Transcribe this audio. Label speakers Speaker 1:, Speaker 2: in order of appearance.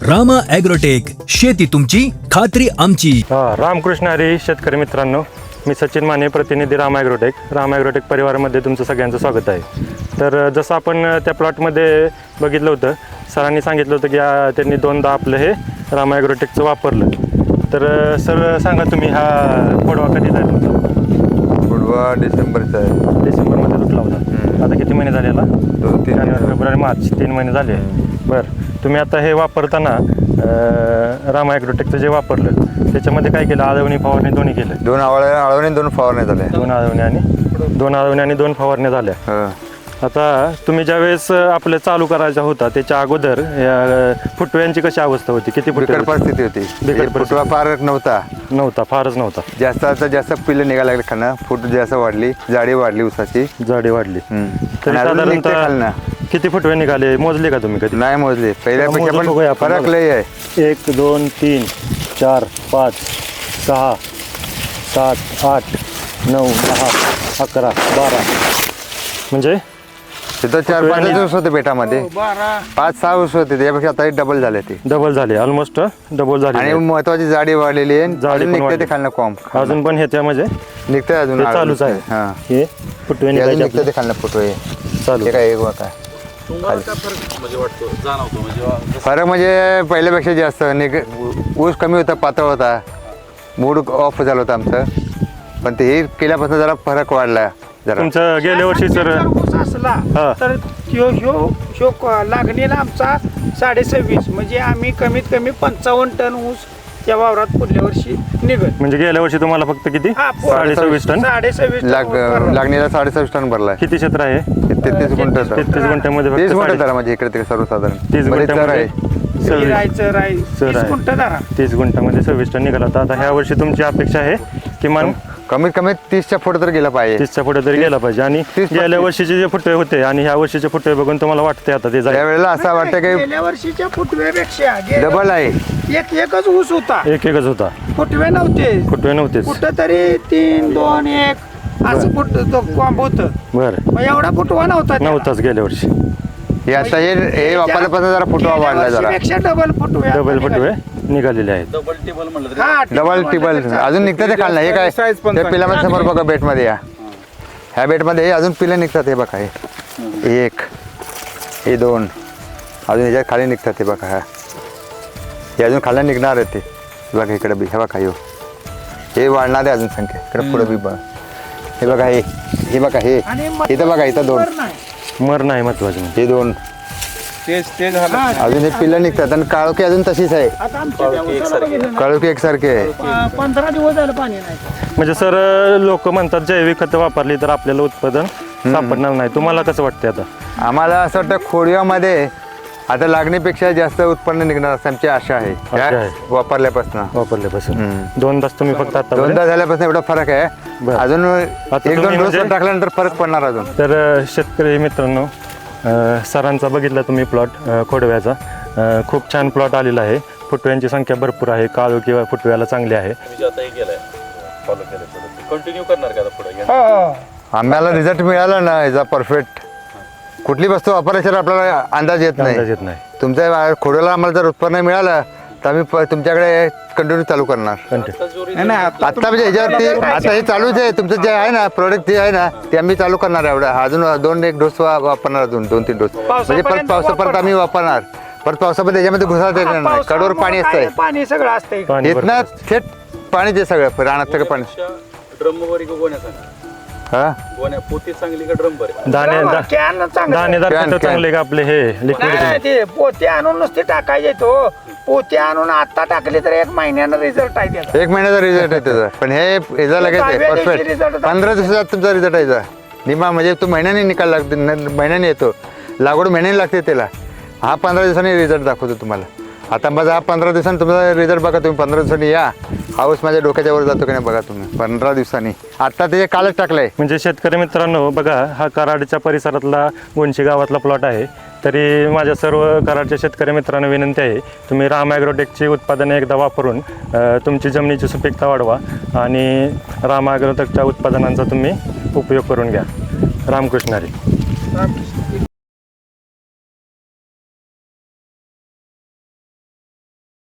Speaker 1: Rama agrotech, शेती तुमची खात्री आमची.
Speaker 2: रामकृष्ण हरी शेतकरी मित्रांनो, मी सचिन माने, प्रतिनिधी रामा ॲग्रोटेक. रामा ॲग्रोटेक परिवारामध्ये तुमचं सगळ्यांचं स्वागत आहे. तर जसं आपण त्या प्लॉटमध्ये बघितलं होतं, सरांनी सांगितलं होतं की त्यांनी दोनदा आपलं हे रामा ॲग्रोटेकचं वापरलं. तर सर सांगा तुम्ही, हा खोडवा कधीचा आहे तुमचा?
Speaker 3: खोडवा डिसेंबरचा आहे.
Speaker 2: डिसेंबरमध्ये तुटला होता. आता किती महिने झाले याला?
Speaker 3: 2-3
Speaker 2: जानेवारी, फेब्रुवारी, मार्च, 3 महिने झाले. बरं, तुम्ही आता हे वापरताना रामा ॲग्रोटेकचं जे वापरलं त्याच्यामध्ये काय केलं? आळवणी फवारणी दोन्ही केलं?
Speaker 3: 2 आळवणी 2 फवारण्या झाल्या.
Speaker 2: 2 आळवणी आणि 2 फवारण्या झाल्या. आता तुम्ही ज्यावेळेस आपलं चालू करायचा होता त्याच्या अगोदर फुटव्यांची कशी अवस्था होती? किती
Speaker 3: बिकट परिस्थिती होती. फुटवा फार नव्हता.
Speaker 2: फारच नव्हता.
Speaker 3: जास्त पिल्लं निघायला लागले खाणं. फूट जास्त वाढली, जाडी वाढली, उसाची
Speaker 2: जाडी वाढली. तरी
Speaker 3: आणि अजून निघते
Speaker 2: साधारणतः
Speaker 3: खालनं.
Speaker 2: किती फुटवे निघाले? मोजले का तुम्ही कधी?
Speaker 3: नाही मोजले. पहिल्यापेक्षा
Speaker 2: मोजून बघूया
Speaker 3: पण
Speaker 2: आपण.
Speaker 3: फरक लय आहे.
Speaker 2: 1 2 3 4 5 6 7 8 9 10 11 12 म्हणजे
Speaker 3: तिथं 4-5 ऊस होते बेटामध्ये. 5-6 ऊस होते. त्यापेक्षा आता डबल झाले ते.
Speaker 2: डबल झाले, ऑलमोस्ट डबल झाले.
Speaker 3: आणि महत्वाची जाडी वाढलेली आहे.
Speaker 2: जाडी
Speaker 3: अजून
Speaker 2: पण
Speaker 3: निघते
Speaker 2: वाढली.
Speaker 3: ते खालनं कॉम्प.
Speaker 2: अजून पण ह्याच्यामध्ये
Speaker 3: निघते अजून
Speaker 2: ते चालूच आहे.
Speaker 3: हां,
Speaker 2: हे फुटवे
Speaker 3: अजून
Speaker 2: निघायचे
Speaker 3: निघते ते खालनं फुटवे.
Speaker 2: चालू.
Speaker 3: ते काय एक होता फरक म्हणजे पहिल्यापेक्षा जास्त ऊस कमी होता, पातळ होता, मूड ऑफ झालं होतं आमचं. पण ते हे केल्यापासून जरा फरक वाढला. जरा
Speaker 2: तुमचं गेल्या वर्षी सर
Speaker 4: ऊस असला
Speaker 2: हा.
Speaker 4: तर लागणीला आमचा 26.5 म्हणजे आम्ही कमीत कमी 55 टन ऊस त्या वावरात पुढल्या वर्षी निघत.
Speaker 2: म्हणजे गेल्या वर्षी तुम्हाला फक्त किती?
Speaker 4: हा,
Speaker 2: 26.5 टन.
Speaker 4: 26.5
Speaker 3: लागणीला 26 टन भरलाय.
Speaker 2: किती क्षेत्र आहे?
Speaker 3: 33 गुंठ.
Speaker 2: 33 गुंठ्यामध्ये
Speaker 3: 30
Speaker 2: फक्त
Speaker 3: गुंठ धरा म्हणजे इकडे तिकडे सर्वसाधारण
Speaker 2: 30
Speaker 3: बरेच चर
Speaker 2: गुंठ्यामध्ये
Speaker 3: आहे.
Speaker 4: राहायचं
Speaker 2: सर आहे.
Speaker 4: गुंठ धरा.
Speaker 2: 30 गुंठ्यामध्ये 26 टन निघाला होता. आता ह्या वर्षी तुमची अपेक्षा आहे किमान
Speaker 3: कमीत कमी 30च्या पुढे तर गेला पाहिजे.
Speaker 2: 30च्या पुढे तरी गेला पाहिजे. आणि
Speaker 3: 30
Speaker 2: गेल्या वर्षीचे जे फुटवे होते आणि ह्या वर्षीचे फुटवे बघून तुम्हाला वाटते आता ते जाईल?
Speaker 3: त्यावेळेला असं वाटतं की
Speaker 4: गेल्या वर्षीच्या फुटव्यापेक्षा
Speaker 3: डबल आहे.
Speaker 4: एकच ऊस होता.
Speaker 2: एकच होता.
Speaker 4: फुटवे नव्हते.
Speaker 2: फुटवे नव्हतेच.
Speaker 4: कुठं तरी 3 2 1 असं फुट कॉम्ब होतं.
Speaker 2: बरं,
Speaker 4: मग एवढा फुटवा नव्हता.
Speaker 2: नव्हताच गेल्या वर्षी.
Speaker 3: हे आता हे वापरल्यापासून जरा फुटवा वाढला जरा.
Speaker 4: डबल फुटवे
Speaker 2: डबल फुटवे निघालेले आहेत.
Speaker 3: डबल टिबल अजून निघतात ते खालनं. हे काय ते पिलामध्ये समोर बघा बेटमध्ये या. ह्या बेटमध्ये हे अजून पिलं निघतात. हे बघा, हे 1 हे 2 अजून ह्याच्यात खाली निघतात. हे बघा, हे अजून खाली निघणार आहे ते. बघा इकडे बी हे बघा, हे वाढणार आहे अजून संख्या. इकडे पुढे बी बघा. हे बघा, हे बघा, हे इथं बघा, इथं 2
Speaker 2: मर नाही महत्वाचं.
Speaker 3: हे 2 अजून हे पिल्लं निघतात. आणि काळोखी अजून तशीच आहे. काळोखी एकसारखी आहे.
Speaker 4: 15 दिवस झालं पाणी नाही.
Speaker 2: म्हणजे सर, लोक म्हणतात जैविक खतं वापरली तर आपल्याला उत्पादन सापडणार नाही. तुम्हाला कसं वाटतं आता?
Speaker 3: आम्हाला असं वाटतं खोडव्यामध्ये आता लागणीपेक्षा जास्त उत्पन्न निघणार असं आमची आशा आहे. वापरल्यापासून
Speaker 2: दोनदाच तुम्ही फक्त आता
Speaker 3: 2दा झाल्यापासून एवढा फरक आहे.
Speaker 2: बरं.
Speaker 3: अजून
Speaker 2: आता
Speaker 3: 1-2
Speaker 2: तुम्ही
Speaker 3: डोस
Speaker 2: म्हणजे-
Speaker 3: टाकल्यानंतर फरक पडणार अजून.
Speaker 2: तर शेतकरी मित्रांनो, सरांचा बघितला तुम्ही प्लॉट खोडव्याचा. खूप छान प्लॉट आलेला आहे. फुटव्यांची संख्या भरपूर आहे. काळू किंवा फुटव्याला चांगली आहे.
Speaker 5: कंटिन्यू करणार का पुढे?
Speaker 3: आम्हाला रिझल्ट मिळाला ना याचा परफेक्ट. कुठली वस्तू वापरायची आपल्याला अंदाज येत
Speaker 2: अंदाज येत
Speaker 3: नाही.
Speaker 2: नाही.
Speaker 3: तुमच्या खोडव्याला आम्हाला जर उत्पन्न मिळालं तर आम्ही तुमच्याकडे कंटिन्यू चालू करणार. आता म्हणजे ह्याच्यावरती आता हे चालूच आहे. तुमचं जे आहे ना प्रोडक्ट जे आहे ना ते आम्ही चालू करणार आहे. एवढं अजून 2-1 डोस वापरणार. अजून 2-3 डोस म्हणजे परत आम्ही वापरणार. परत पावसामध्ये याच्यामध्ये घुसाळता येणार नाही. कडवर पाणी असतंय.
Speaker 4: पाणी सगळं असतंय.
Speaker 2: पाणी भरपूर
Speaker 3: इथनं
Speaker 2: असतं.
Speaker 3: थेट पाणी ते सगळं रानात सगळं पाणी.
Speaker 5: ड्रम वरी गोण्या सांगा.
Speaker 3: हा
Speaker 5: गोण्या पोती चांगली का ड्रम बरे?
Speaker 2: दाणेदार खतं चांगले का आपले हे लिक्विड?
Speaker 4: ते पोते आणून नुसते टाकायचे. तो पोते आणून आता टाकले तर 1 महिन्यानं रिझल्ट आहे त्याचा.
Speaker 3: 1 महिन्याचा रिझल्ट आहे त्याचा. पण हे याचा लगेच आहे परफेक्ट. 15 दिवसात तुमचा रिझल्ट आहे. निमा म्हणजे तो महिन्याने निकाल लागतो. महिन्याने येतो. लागवड महिन्याने लागते त्याला. हा 15 दिवसांनी रिझल्ट दाखवतो तुम्हाला. आता माझा हा 15 दिवसांनी तुमचा रिझल्ट बघा. तुम्ही 15 दिवसांनी या. हाऊस माझ्या डोक्याच्या वर जातो की नाही बघा तुम्ही 15 दिवसांनी. आता ते कालच टाकलंय.
Speaker 2: म्हणजे शेतकरी मित्रांनो बघा, हा कराडच्या परिसरातला गोंशी गावातला प्लॉट आहे. तरी माझ्या सर्व कराडच्या शेतकरी मित्रांना विनंती आहे, तुम्ही रामा ॲग्रोटेकची उत्पादने एकदा वापरून तुमची जमिनीची सुपीकता वाढवा आणि रामा ॲग्रोटेकच्या उत्पादनांचा तुम्ही उपयोग करून घ्या. रामकृष्ण हरी.